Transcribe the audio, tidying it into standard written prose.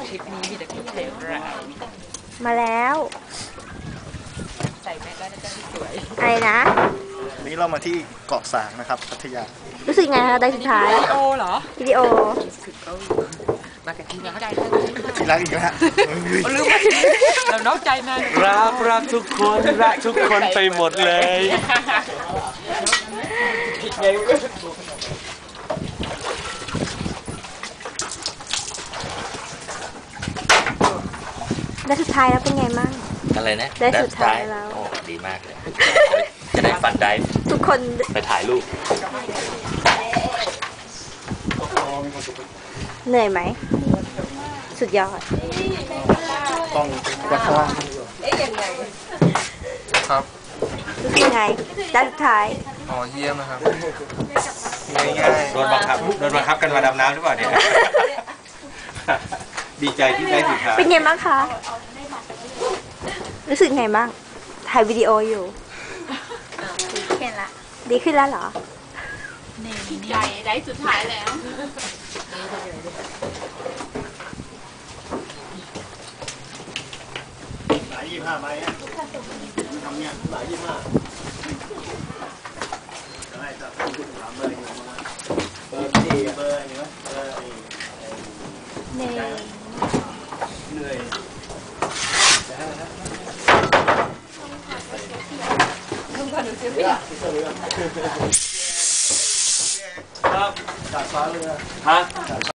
ทริปนี้มีแต่คนไทยเรามาแล้วใส่แมสแล้วนะจ๊ะที่สวยอะไรนะนี้เรามาที่เกาะสางนะครับพัทยารู้สึกไงคะได้สุดท้ายวิดีโอเหรอวิดีโอสุดก็มากับทีมงานเข้าใจที่รักอีกแล้วลืมเรานอกใจนานรักทุกคนรักทุกคนไปหมดเลยได้สุดท้ายแล้วเป็นไงมั่งอะไรนะได้สุดท้ายแล้วโอ้ดีมากเลยจะได้ฟันได้ทุกคนไปถ่ายรูปเหนื่อยไหมสุดยอดต้องวัดข้างล่างครับรู้สึกไงได้สุดท้ายอ๋อเยี่ยมนะครับง่ายๆโดนบังคับกันมาดำน้ำหรือเปล่าเนี่ยดีใจที่ได้สุดท้ายเป็นไงบ้างคะรู้สึกไงบ้างถ่ายวิดีโออยู่ดีขึ้นแล้วเหรอดีใจได้สุดท้ายแล้วหลาย25ใบอ่ะทำเนี่ยหลาย25จะให้จะคุณถามเบอร์อยู่มาเบอร์ดีเบอร์นี่วะเบอร์เหนื่อยครับจากฟ้าเรือฮะ